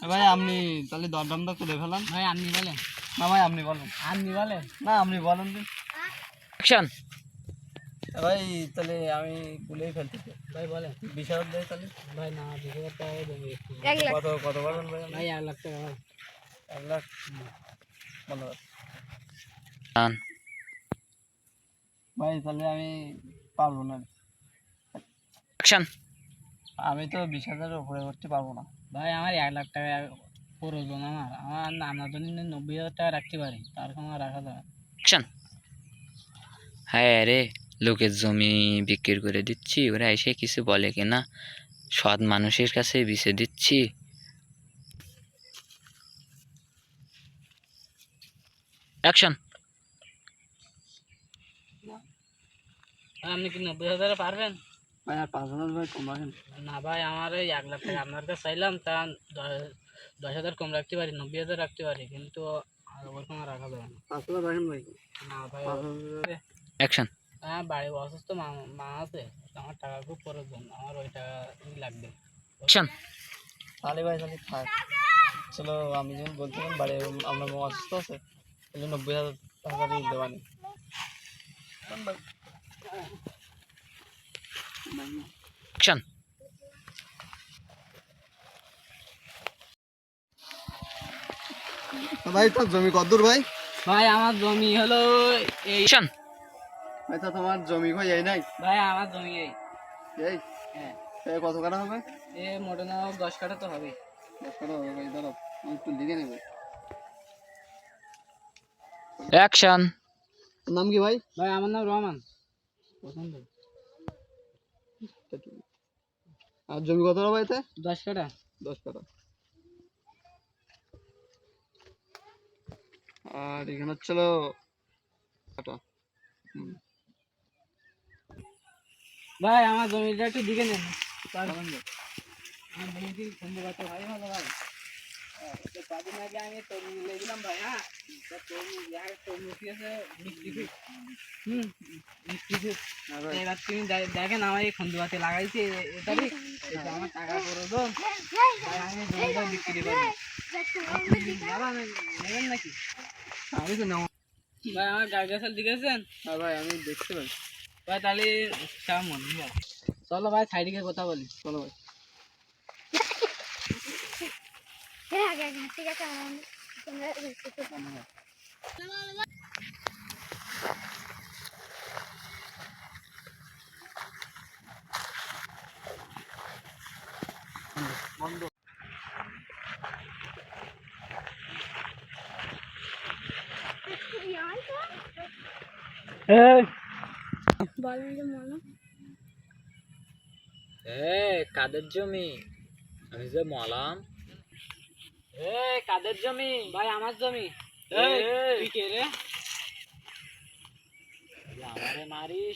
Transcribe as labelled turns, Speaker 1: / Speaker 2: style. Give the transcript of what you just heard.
Speaker 1: ভাই আপনি তাহলে দরদামটা করে ফেলান।
Speaker 2: ভাই আপনি বলেন।
Speaker 1: না ভাই আপনি বলেন।
Speaker 2: আপনি বলেন।
Speaker 1: না আপনি বলেন দিন।
Speaker 3: অ্যাকশন।
Speaker 1: ভাই তাহলে আমি বলেই ফেলতেছি।
Speaker 2: ভাই বলেন।
Speaker 1: 20,000 দেয় তাহলে।
Speaker 2: ভাই না 20,000 টাকা দেবো একটু।
Speaker 1: কত কত বলেন ভাই?
Speaker 2: ভাই 1 লাখ টাকা।
Speaker 1: 1 লাখ 15,000।
Speaker 3: ডান।
Speaker 1: ভাই তাহলে আমি পারবো না।
Speaker 3: অ্যাকশন।
Speaker 1: আমি তো 20,000-এর উপরে করতে পারবো না।
Speaker 2: ভাই আমার 1 লাখ টাকা প্রয়োজন। আমার জন্য 90,000 টাকা রাখতে পারি, তার কম রাখা যাবে।
Speaker 3: অ্যাকশন। হ্যাঁ রে, লোকের জমি বিক্রি করে দিচ্ছি, ওরা এসে কিছু বলে কিনা, সৎ মানুষের কাছে বেচে দিচ্ছি। অ্যাকশন।
Speaker 2: আপনি কি 90,000 পারবেন?
Speaker 1: ভাই আর 5,000 ভাই কম রাখেন।
Speaker 2: না ভাই আমার এই 1 লাখ টাকা আপনার কাছে চাইলাম, তা 10,000 কম রাখতে পারি, 90,000 রাখতে পারি, কিন্তু আর ওরকম আর রাখা যাবে না।
Speaker 1: 5,000 রাখেন ভাই।
Speaker 2: না ভাই।
Speaker 1: 5,000।
Speaker 3: অ্যাকশন।
Speaker 2: হ্যাঁ বাড়ি অসুস্থ মা আছে, আমার টাকা খুব প্রয়োজন, আমার ওই টাকা লাগবে।
Speaker 3: অ্যাকশন।
Speaker 1: তাহলে ভাই তাহলে থাক। চলো আমি যখন বলছিলাম বাড়ি আপনার মা অসুস্থ আছে, তাহলে 90,000 টাকা দিয়ে দিতে পারি।
Speaker 3: অ্যাকশন।
Speaker 1: ভাই তোর জমি কত দূর ভাই?
Speaker 2: ভাই আমার জমি হলো এই।
Speaker 3: অ্যাকশন।
Speaker 1: ভাই তো তোমার জমি কই এই নাই?
Speaker 2: ভাই আমার জমি এই।
Speaker 1: এই
Speaker 2: হ্যাঁ।
Speaker 1: কত কাটা হবে?
Speaker 2: এ মোটে না 10 কাঠা তো হবে।
Speaker 1: 10 কাটা হবে ভাই, দাঁড়াও আমি একটু লিখে নেব।
Speaker 3: অ্যাকশন।
Speaker 1: নাম কি ভাই?
Speaker 2: ভাই আমার নাম রহমান। পছন্দ।
Speaker 1: আর জমি কত হবে এতে?
Speaker 2: 10 কাঠা।
Speaker 1: 10 কাটা। আর এখানে হচ্ছিল কাটা।
Speaker 2: ভাই আমার জমিটা একটু দিকে নেন। আমি দেখি সুন্দর কথা ভাই, ভালো ভাই। কদিন আগে আমি তরমুজ নিয়েছিলাম ভাই। হ্যাঁ, তরমুজ আছে মিষ্টি খুব। মিষ্টি খুব। এবার তুমি দেখেন আমার এই খন্দুয়াতে লাগাইছি, এটারই এটা আমার টাকা প্রয়োজন। ভাই আমি জমিটা বিক্রি করবো। বাবা নেবেন নাকি?
Speaker 1: আমি তো নেব।
Speaker 2: ভাই আমার গাছ গাছাল দিকেছেন?
Speaker 1: হ্যাঁ ভাই আমি দেখতে পাই।
Speaker 2: ভাই তাহলে কেমন? চলো ভাই সাইডে গিয়ে কথা বলি।
Speaker 1: চলো ভাই।
Speaker 4: ঠিক আছে।
Speaker 1: বন্ধ।
Speaker 3: কাদের জমি? আমি যে মলাম। কাদের জমি?
Speaker 2: ভাই আমার জমি। তুই কে রে?
Speaker 3: আমারে মারিস?